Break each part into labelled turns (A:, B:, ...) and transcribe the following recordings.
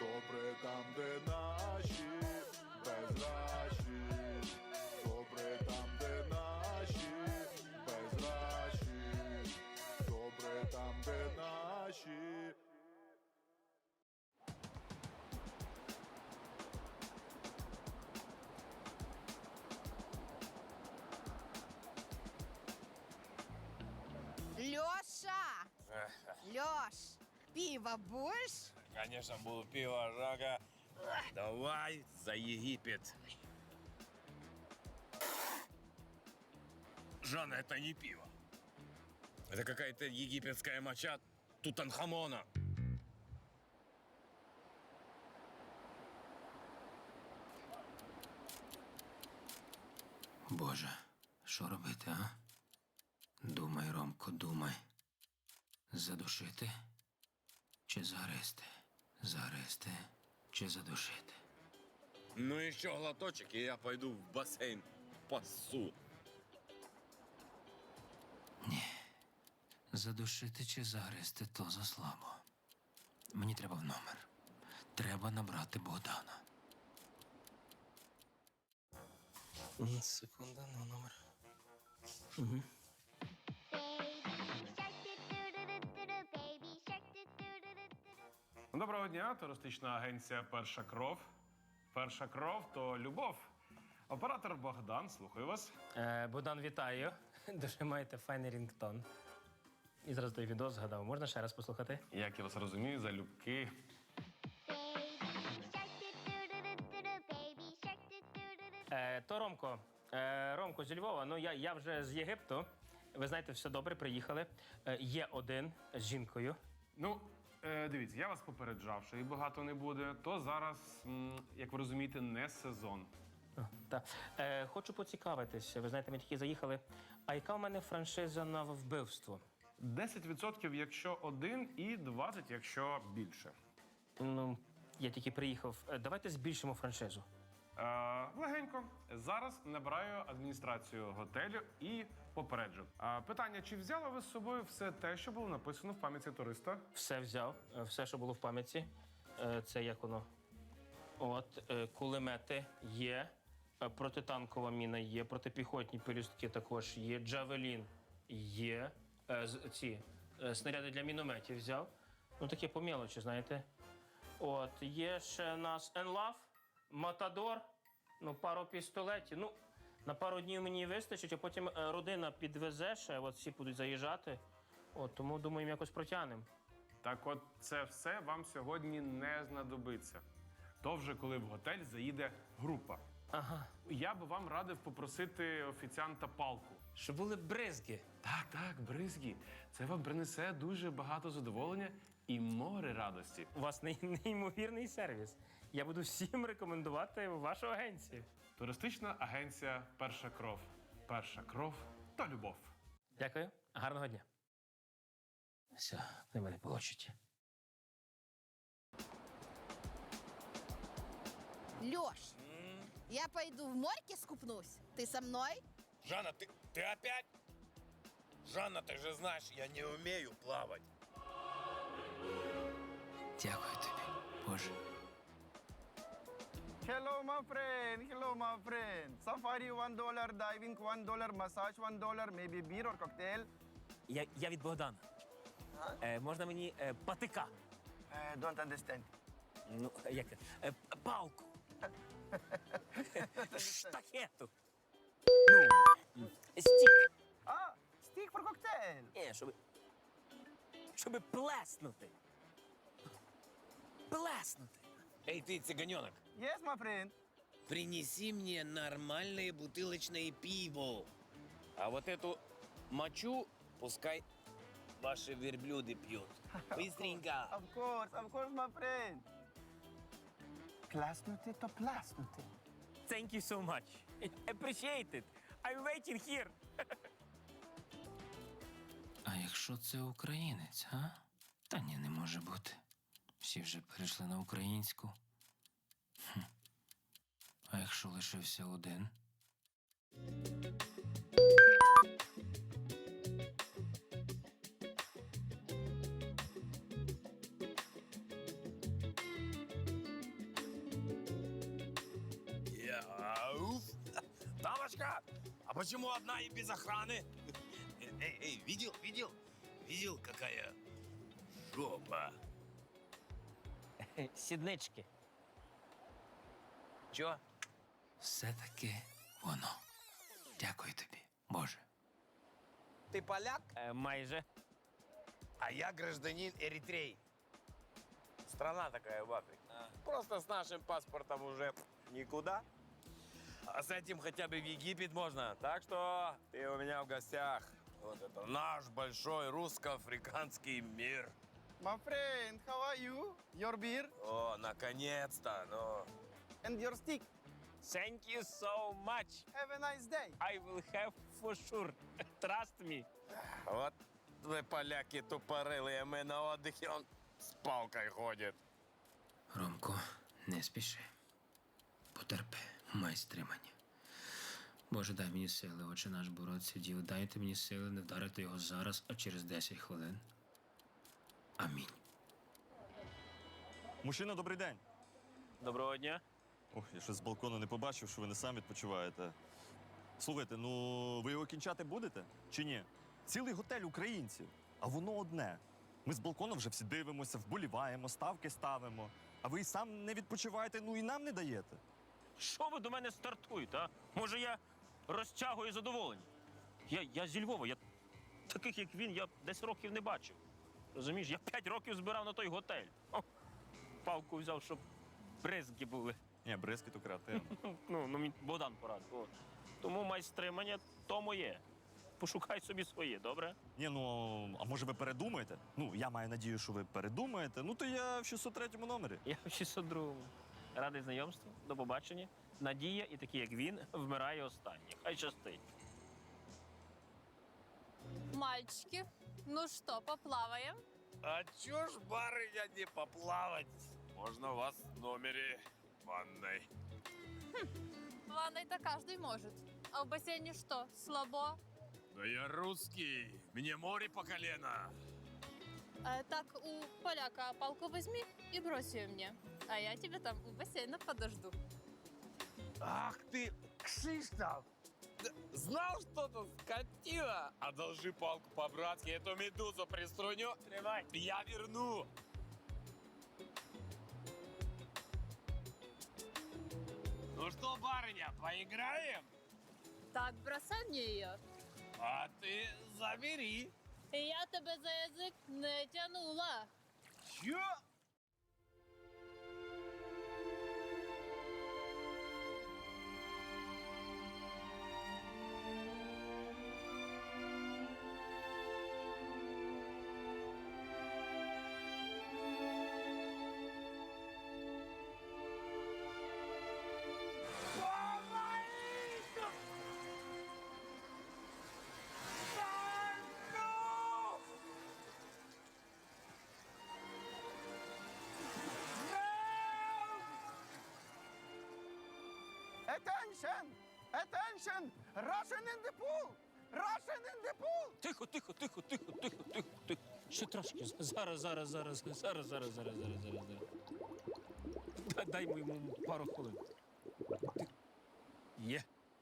A: Добре там, де наші безращі. Добре там, де наші безращі. Добре там, де наші.
B: Лёша! Лёш, пиво будешь?
C: Конечно, буду пиво, Жага. Давай за Египет. Жанна, это не пиво. Это какая-то египетская моча Тутанхамона.
D: Боже, що робити, а? Думай, Ромко, думай. Задушити чи загризти? Загризти чи задушити?
C: Ну еще глоточек, и я пойду в бассейн пасу.
D: Задушити чи загризти то заслабо. Мені треба в номер. Треба набрати Богдана. Секунда, на номер. Угу.
E: Доброго дня, туристична агенція «Перша кров». «Перша кров» – то любов. Оператор Богдан, слухаю вас.
F: Богдан, вітаю. Дуже маєте файний рінгтон. І зараз той відео згадав. Можна ще раз послухати?
E: Як я вас розумію, залюбки.
F: То Ромко. Ромко зі Львова. Ну, я вже з Єгипту. Ви знаєте, все добре, приїхали. Є один з жінкою.
E: Ну, дивіться, я вас попереджав, що і багато не буде. То зараз, як ви розумієте, не сезон.
F: Хочу поцікавитись. Ви знаєте, ми тільки заїхали. А яка в мене франшиза на вбивство?
E: 10%, якщо один, і 20%, якщо більше.
F: Ну, я тільки приїхав. Давайте збільшимо франшизу.
E: Легенько. Зараз набираю адміністрацію готелю і попереджу. Питання, чи взяли ви з собою все те, що було написано в пам'ятці туриста?
F: Все взяв, все, що було в пам'ятці. Це як воно? От, кулемети є, протитанкова міна є, протипіхотні пелюстки також є, джавелін є, ці снаряди для мінометів взяв. Ну, таке по мелочі, знаєте. От, є ще у нас Енлав, Матадор, ну, пару пістолетів. Ну, на пару днів мені вистачить, а потім родина підвезе ще, от всі будуть заїжджати. От, тому, думаю, якось протягнемо.
E: Так от, це все вам сьогодні не знадобиться. То вже коли в готель заїде група.
F: Ага.
E: Я би вам радив попросити офіціанта палку.
F: Щоб були бризги.
E: Так, бризгі. Це вам принесе дуже багато задоволення і море радості.
F: У вас неймовірний сервіс. Я буду всім рекомендувати вашу агенцію.
E: Туристична агенція «Перша кров». «Перша кров» та любов.
F: Дякую. Гарного дня. Все, не мене получите.
B: Лёш, я пойду в морьке скупнусь. Ты со мной?
C: Жанна, ты опять? Жанна, ты же знаешь, я не умею плавать.
D: Дякую тобі, Боже.
G: Hello, my friend. Safari $1, diving $1, massage $1, maybe beer or cocktail.
H: Я від Богдана. Можна мені патика?
G: Don't understand.
H: Ну, як це? Палку. Штахету. Ну, стік.
G: Stick for cocktail.
H: Ні, щоб плеснути. Плеснути.
C: Эй, ты, цыганенок,
G: Yes, my friend.
C: принеси мне нормальное бутылочное пиво. А вот эту мочу пускай ваши верблюды пьют. Быстренько.
G: Of course, my friend. Пласнути то пласнути.
H: Thank you so much. Appreciate it. I'm waiting here.
D: А якщо це українець, а? Та ні, не може бути. Всі вже перейшли на українську. А якщо лишився один?
C: почему одна и без охраны? Эй, видел, какая жопа?
H: Сіднички.
C: Чё?
D: Все-таки воно. Дякую тобі, Боже.
C: Ты поляк?
H: Майже.
C: А я гражданин Эритреи. Страна такая в Африке. Просто с нашим паспортом уже никуда. А с этим хотя бы в Египет можно. Так что ты у меня в гостях. Вот это наш большой русско-африканский мир.
G: My friend, how are you? Your beer
C: О, наконец-то, ну.
G: and your stick.
H: Thank you so much.
G: Have a nice day.
H: I will have for sure. Trust me.
C: Вот вы, поляки, тупорылые, мы на отдыхе, он с палкой ходит.
D: Ромко, не спіши. Потерпи, май стримання. Боже, дай мені сили, отче наш боротися дів. Дайте мені сили не вдарити його зараз, а через 10 хвилин. Амінь.
I: Мужчина, добрий день.
F: Доброго дня.
I: Ох, я щось з балкону не побачив, що ви не сам відпочиваєте. Слухайте, ну ви його кінчати будете? Чи ні? Цілий готель українців, а воно одне. Ми з балкону вже всі дивимося, вболіваємо, ставки ставимо. А ви і сам не відпочиваєте, ну і нам не даєте.
F: Що ви до мене стартуєте, а? Може, я розтягую задоволення? Я зі Львова, я таких, як він, я 10 років не бачив. Розумієш, я 5 років збирав на той готель. О, палку взяв, щоб бризки були.
I: Ні, бризки то креативно.
F: Ну, мені Богдан порадив. От. Тому майстримання то моє. Пошукай собі своє, добре?
I: Ні, ну, а може ви передумаєте? Ну, я маю надію, що ви передумаєте. Ну, то я в 603-му номері.
F: Я в 602-му. Радий знайомству, до побачення. Надія і такі, як він, вмирає останній. Хай щастить.
B: Мальчики, ну что, поплаваем?
C: А чё ж, барыня, не поплавать? Можно у вас в номере ванной.
B: В ванной-то каждый может. А в бассейне что, слабо?
C: Да я русский, мне море по колено.
B: Так, у поляка палку возьми и брось ее мне. А я тебя там у бассейна подожду.
C: Ах ты, Кшиштов! Знал что-то, скотина? Одолжи палку по-братски, эту медузу приструню.
F: Тримай.
C: Я верну. Ну что, барыня, поиграем?
B: Так, бросай мне ее.
C: А ты забери.
B: Я тебя за язык не тянула.
C: Чё?
G: Attention! Attention! Russian in the pool! Russian in the pool!
F: Тихо. Ще трошки. Зараз. Дай йому пару хвилин. Є.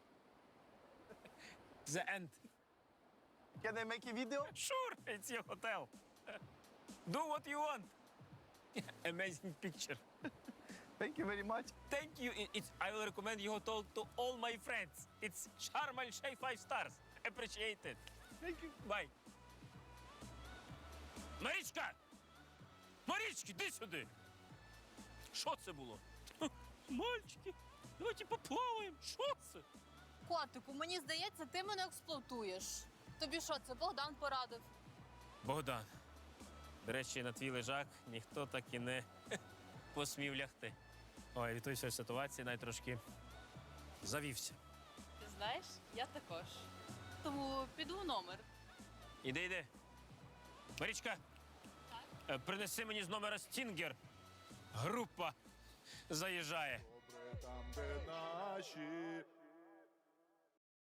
F: The end.
G: Can I make a video?
F: Sure, it's your hotel. Do what you want. Amazing picture.
G: Thank you very much.
F: Thank you. I will recommend your hotel to all my friends. It's Sharm El Sheikh 5 stars. Appreciate it.
G: Thank you.
F: Bye. Марічка! Марічки, іди сюди! Що це було? Мальчики, давайте поплаваємо. Що це?
B: Котику, мені здається, ти мене експлуатуєш. Тобі що, це Богдан порадив?
F: Богдан. До речі, на твій лежак ніхто так і не посмів лягти. Ой, від тої всієї ситуації навіть трошки завівся.
B: Ти знаєш, я також. Тому піду в номер.
F: Іди. Марічка, принеси мені з номера Стінгер. Група заїжджає.
A: Добре там, де наші,